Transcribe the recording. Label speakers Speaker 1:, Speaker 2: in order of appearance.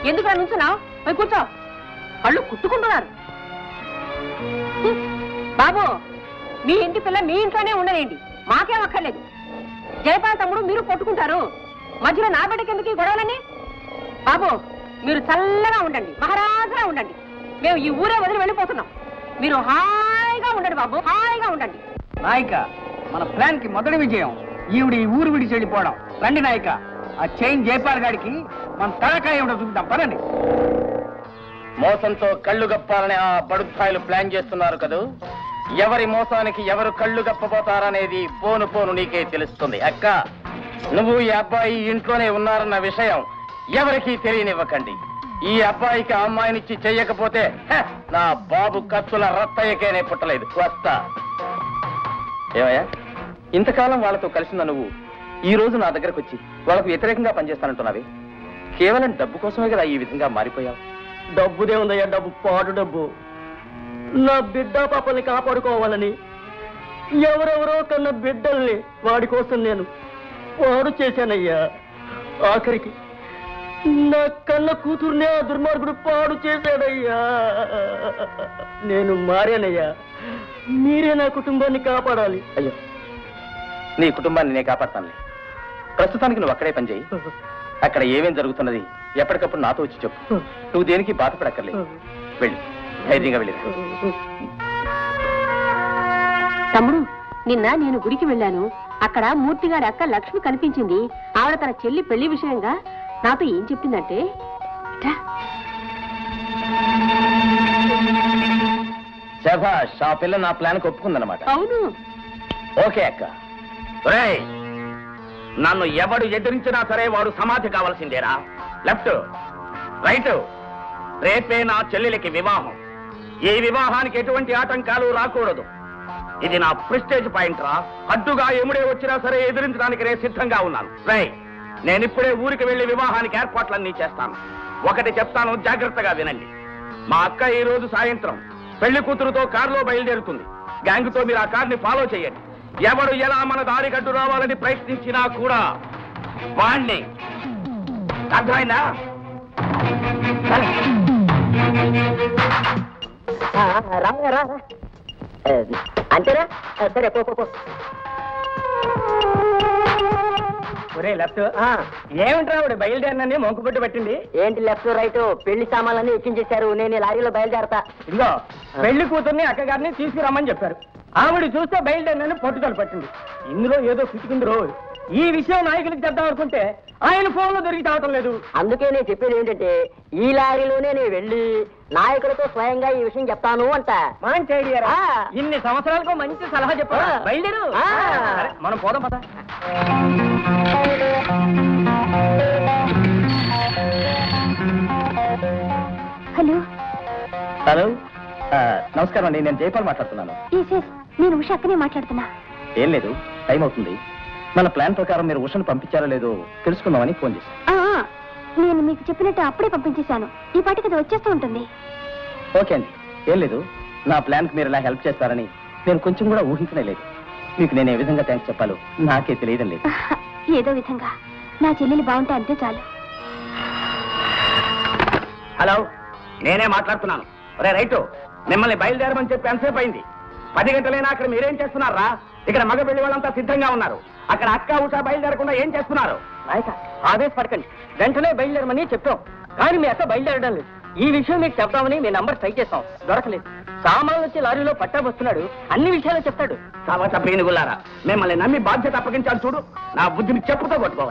Speaker 1: ఎందుకు నుంచున్నావు? పోయి కూర్చో. కళ్ళు కుట్టుకుంటున్నారు. బాబు, మీ ఇంటి పిల్ల మీ ఇంట్లోనే ఉండలేండి, మాకేం అక్కర్లేదు. జయపాల్ తమ్ముడు మీరు కొట్టుకుంటారు, మధ్యలో నా బిడ్డకి ఎందుకు ఈ గొడవలని? బాబు, మీరు చల్లగా ఉండండి, మహారాజుగా ఉండండి. మేము ఈ ఊరే వదిలి వెళ్ళిపోతున్నాం. మీరు హాయిగా ఉండండి బాబు, హాయిగా ఉండండి.
Speaker 2: నాయక, మన ప్లాన్ కి మొదటి విజయం ఈవిడ ఈ ఊరు విడిచి వెళ్ళిపోవడం. రండి నాయక, ఆ చైన్ జయపాల్ గారికి మన తలకాయ ఏమిటో చూద్దాం, పదండి.
Speaker 3: మోసంతో కళ్ళు గప్పాలని ఆ బడుద్ధాయిలు ప్లాన్ చేస్తున్నారు కదూ. ఎవరి మోసానికి ఎవరు కళ్ళు గప్పబోతారనేది పోను పోను నీకే తెలుస్తుంది. అక్క, నువ్వు ఈ అబ్బాయి ఇంట్లోనే ఉన్నారన్న విషయం ఎవరికీ తెలియనివ్వకండి. ఈ అబ్బాయికి అమ్మాయినిచ్చి చెయ్యకపోతే నా బాబు కత్తుల రత్తయ్యకేనే పుట్టలేదు. వస్తా. ఏమయ్యా, ఇంతకాలం వాళ్ళతో కలిసిన నువ్వు ఈ రోజు నా దగ్గరకు వచ్చి వాళ్ళకు వ్యతిరేకంగా పనిచేస్తానంటున్నావి. కేవలం డబ్బు కోసమే కదా ఈ విధంగా మారిపోయావు?
Speaker 2: డబ్బుదే ఉందయ్యా, డబ్బు పాడు డబ్బు. నా బిడ్డ పాపల్ని కాపాడుకోవాలని ఎవరెవరో కన్న బిడ్డల్ని వాడి కోసం నేను పాడు చేశానయ్యా. ఆఖరికి నా కన్న కూతుర్నే ఆ దుర్మార్గుడు పాడు చేశాడయ్యా. నేను మారానయ్యా, మీరే నా కుటుంబాన్ని కాపాడాలి.
Speaker 3: అయ్యో, నీ కుటుంబాన్ని నేను కాపాడతానులే. ప్రస్తుతానికి నువ్వు అక్కడే పనిచేయి. అక్కడ ఏమేం జరుగుతున్నది ఎప్పటికప్పుడు నాతో వచ్చి చెప్పు. నువ్వు దేనికి బాధపడక్కర్లేదు. వెళ్ళి ధైర్యంగా వెళ్ళి.
Speaker 1: తమ్ముడు, నిన్న నేను గుడికి వెళ్ళాను. అక్కడ మూర్తిగారి అక్క లక్ష్మి కనిపించింది. ఆవిడ తన చెల్లి పెళ్లి విషయంగా నాతో ఏం చెప్పిందంటే,
Speaker 3: శభాష్, ఆ పిల్ల నా ప్లాన్ కు ఒప్పుకుందన్నమాట.
Speaker 1: అవును.
Speaker 3: ఓకే అక్క. నన్ను ఎవడు ఎదిరించినా సరే వాడు సమాధి కావాల్సిందేరా. Left, right. రేపే నా చెల్లెలికి వివాహం. ఈ వివాహానికి ఎటువంటి ఆటంకాలు రాకూడదు. ఇది నా ప్రెస్టేజ్ పాయింట్ రా. అడ్డుగా ఎముడే వచ్చినా సరే ఎదిరించడానికి నేను సిద్ధంగా ఉన్నాను. నేనిప్పుడే ఊరికి వెళ్లి వివాహానికి ఏర్పాట్లన్నీ చేస్తాను. ఒకటి చెప్తాను, జాగ్రత్తగా వినండి. మా అక్క ఈ రోజు సాయంత్రం పెళ్లి కూతురుతో కారులో బయలుదేరుతుంది. గ్యాంగ్ తో మీరు ఆ కార్ని ఫాలో చేయండి. ఎవడు ఎలా మన దారి గడ్డు రావాలని ప్రయత్నించినా కూడా వాణ్ణి. అర్థమైందా?
Speaker 2: అంతేనా? సరే, పో. ఒరే లెఫ్ట్, ఏమిట్రా బయలుదేరినని మొంకుబట్టు పట్టింది? ఏంటి లెఫ్ట్ రైట్? పెళ్లి సామాన్లన్నీ ఎక్కించేశారు. నేను లారీలో బయలుదేరతా. ఇదిగో, పెళ్లి కూతుర్ని అక్కగారిని తీసుకురమ్మని చెప్పారు. ఆవిడ చూస్తే బయలుదేరినని పట్టుదల పట్టింది. ఇందులో ఏదో పిచ్చుకుంది రో. ఈ విషయం నాయకులకు చెప్దాం అనుకుంటే ఆయన ఫోన్ లో దొరికి తావటం లేదు. అందుకే నేను చెప్పేది ఏంటంటే, ఈ లారీలోనే నేను వెళ్ళి నాయకులతో స్వయంగా ఈ విషయం చెప్తాను అంట. మంచి ఐడియా. ఇన్ని సంవత్సరాలకు మంచి సలహా చెప్పా. బయలుదేరు, మనం పోదాం పద.
Speaker 1: హలో.
Speaker 3: హలో, నమస్కారం అండి. నేను జయపాల్ మాట్లాడుతున్నాను.
Speaker 1: నేను ఉష అక్కనే మాట్లాడుతున్నా.
Speaker 3: ఏం లేదు, టైం అవుతుంది. మన ప్లాన్ ప్రకారం మీరు ఉషను పంపించారో లేదో తెలుసుకుందామని ఫోన్ చేశాను.
Speaker 1: నేను మీకు చెప్పినట్టు అప్పుడే పంపించేశాను. ఈ పాటికి అది వచ్చేస్తూ ఉంటుంది.
Speaker 3: ఓకే అండి, ఏం లేదు. నా ప్లాన్ కి మీరు ఇలా హెల్ప్ చేస్తారని నేను కొంచెం కూడా ఊహించనే లేదు. మీకు నేను ఏ విధంగా థ్యాంక్స్ చెప్పాలో నాకే తెలియడం లేదు.
Speaker 1: ఏదో విధంగా నా చెల్లెలు బాగుంటే అంతే చాలు.
Speaker 3: హలో, నేనే మాట్లాడుతున్నాను. రైట్, మిమ్మల్ని బయలుదేరమని చెప్పి ఎంతసేపు అయింది? 10 గంటలైనా అక్కడ మీరేం చేస్తున్నారా? ఇక్కడ మగ పెళ్లి వాళ్ళంతా సిద్ధంగా ఉన్నారు. అక్కడ అక్క ఉష బయలుదేరకుండా ఏం చేస్తున్నారు?
Speaker 2: నాయక, ఆవేశపడకండి. వెంటనే బయలుదేరమని చెప్పాం, కానీ మీ అక్క బయలుదేరడం లేదు. ఈ విషయం మీకు చెప్తామని మీ నంబర్ ట్రై చేస్తాం, దొరకలేదు. సామాన్లు వచ్చి లారీలో పట్టా వస్తున్నాడు, అన్ని విషయాలు చెప్తాడు.
Speaker 3: సవత పేనుగులారా, మిమ్మల్ని నమ్మి బాధ్యత అప్పగించాలి చూడు. నా బుద్ధిని చెప్పుతో కొట్టుకోవాలి.